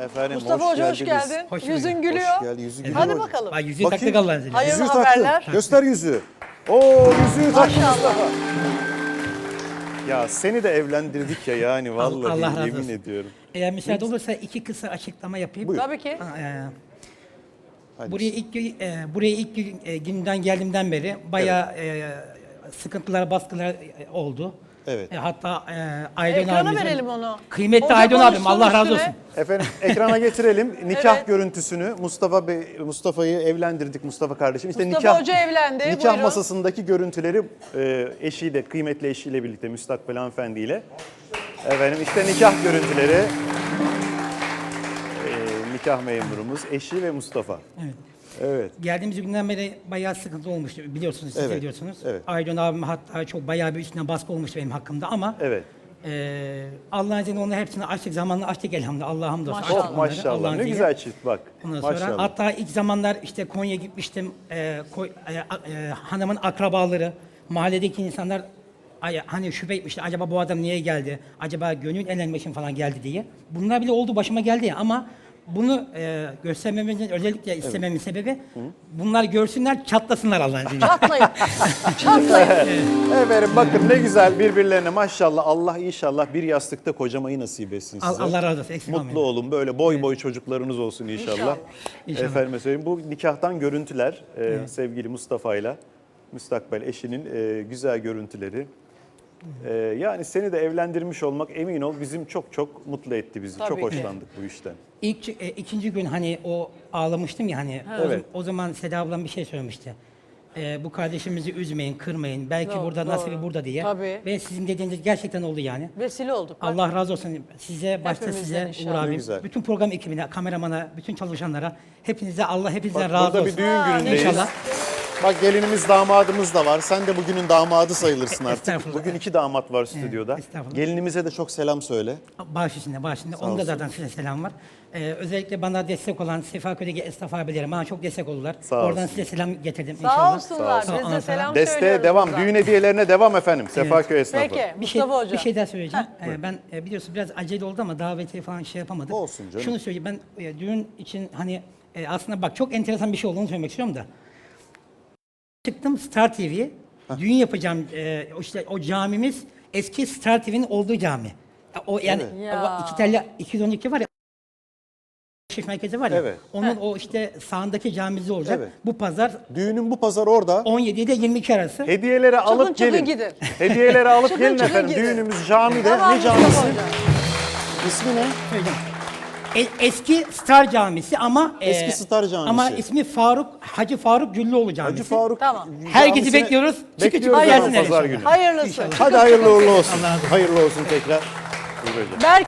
Efendim Mustafa Hoca hoş geldiniz. geldin. Hoş Yüzün bulduk. gülüyor. Hoş geldin. Yüzü gülüyor Hadi hocam. bakalım. Bak yüzüğü Bakayım. taktık Allah'ın izniyle. Hayırlı Yüzüğü haberler. taktı. Göster yüzüğü. Oo yüzüğü taktı Maşallah. Mustafa. Ya seni de evlendirdik ya yani vallahi Allah razı yemin olsun. ediyorum. Eğer müsaade olursa iki kısa açıklama yapayım. Buyur. Tabii ki. Hadi. Buraya ilk günden geldiğimden beri bayağı sıkıntılar, baskılar oldu. Evet. Hatta Aydın Ekrana abimizin, verelim onu. kıymetli Hoca Aydın abim, konuşsun Allah razı üstüne. olsun. Efendim ekrana getirelim nikah Evet. görüntüsünü. Mustafa'yı evlendirdik Mustafa kardeşim. İşte Mustafa Hoca evlendi, Nikah buyurun. masasındaki görüntüleri eşiyle, kıymetli eşiyle birlikte müstakbel hanımefendiyle. Efendim işte nikah görüntüleri. Nikah memurumuz, eşi ve Mustafa. Evet. Evet. Geldiğimiz günden beri bayağı sıkıntı olmuştu, biliyorsunuz, siz de Evet, biliyorsunuz. evet. Aydın abim hatta çok bayağı bir üstüne baskı olmuştu benim hakkımda ama Evet. Allah'ın izniyle onların hepsini açtık, zamanla açtık elhamdülillah, Allah'a hamdolsun. Maşallah. Açtık Oh onları, maşallah Allah'ın ne izniyle. güzel çift bak. Ondan sonra Maşallah. hatta ilk zamanlar işte Konya'ya gitmiştim. Hanımın akrabaları, mahalledeki insanlar hani şüphe etmişti. Acaba bu adam niye geldi? Acaba gönül eğlenmek için falan geldi diye. Bunlar bile oldu, başıma geldi ya. Ama bunu göstermemizin özellikle istememin sebebi bunlar görsünler, çatlasınlar Allah'ın izniyle. Çatlayın. Çatlayın. Efendim bakın ne güzel birbirlerine maşallah Allah inşallah bir yastıkta kocamayı nasip etsin size. Allah razı olsun, eksik Mutlu olmayın. olun böyle boy boy çocuklarınız olsun inşallah. İnşallah. İnşallah. Efendime söyleyeyim bu nikahtan görüntüler sevgili Mustafa ile müstakbel eşinin güzel görüntüleri. Yani seni de evlendirmiş olmak emin ol bizim çok mutlu etti bizi. Tabii çok ki. hoşlandık bu işten. İkinci gün hani o ağlamıştım ya hani Evet. o zaman Seda ablam bir şey söylemişti. Bu kardeşimizi üzmeyin, kırmayın. Belki Doğru, burada doğru. nasibi burada diye. Tabii. Ve sizin dediğiniz gerçekten oldu yani. Vesile olduk. Bak. Allah razı olsun size, başta Hepimizden size, Uğur inşallah. abim, Güzel. bütün program ekibine, kameramana, bütün çalışanlara, hepinize Allah hepinizden Bak razı burada olsun. bir düğün günündeyiz. İnşallah. Bak gelinimiz damadımız da var. Sen de bugünün damadı sayılırsın artık. Estağfurullah. Bugün 2 damat var stüdyoda. estağfurullah. Gelinimize de çok selam söyle. Baş içinde. Onun da olsun. zaten size selam var. Özellikle bana destek olan Sefaköy'deki esnaf abilerim bana çok destek oldular. Sağ Oradan olsun. size selam getirdim Sağ inşallah. olsunlar. Sağ Biz de olun. selam Desteğe söylüyoruz devam. buradan. Düğün hediyelerine devam efendim. Sefaköy esnafı. Peki. Bir şey, Mustafa Hoca. bir şey daha söyleyeceğim. Ben biliyorsun biraz acele oldu ama davetiye falan şey yapamadık. Olsun canım. Şunu söyleyeyim ben düğün için hani aslında bak çok enteresan bir şey olduğunu söylemek istiyorum da. Çıktım Star TV'ye. Düğün yapacağım. İşte o camimiz eski Star TV'nin olduğu cami. O yani Evet. Ya. o iki telli 212 var ya. Şif merkezi var ya. Evet. Onun o işte sağındaki camimiz olacak. Evet. Bu pazar Düğünün bu pazar orada. 17 ile 22 arası. Hediyeleri alıp çıkın gelin. gidin. Hediyeleri alıp Çıkın gelin çıkın efendim. gidin. Düğünümüz camide. Tamam Ne Mustafa camisi? Hoca. İsmi ne? Söyleyeceğim. Eski Star Camisi ama Eski Star Camisi. Ama ismi Hacı Faruk Güllüoğlu Camisi. Hacı Faruk. Tamam. Herkesi Camisine bekliyoruz. Çıkı Bekliyoruz çıkı efendim gelsinler pazar inşallah. günü. Hayırlısı. Hadi hayırlı uğurlu olsun. Allah razı olsun. Hayırlı olsun tekrar. Buyur hocam. Berk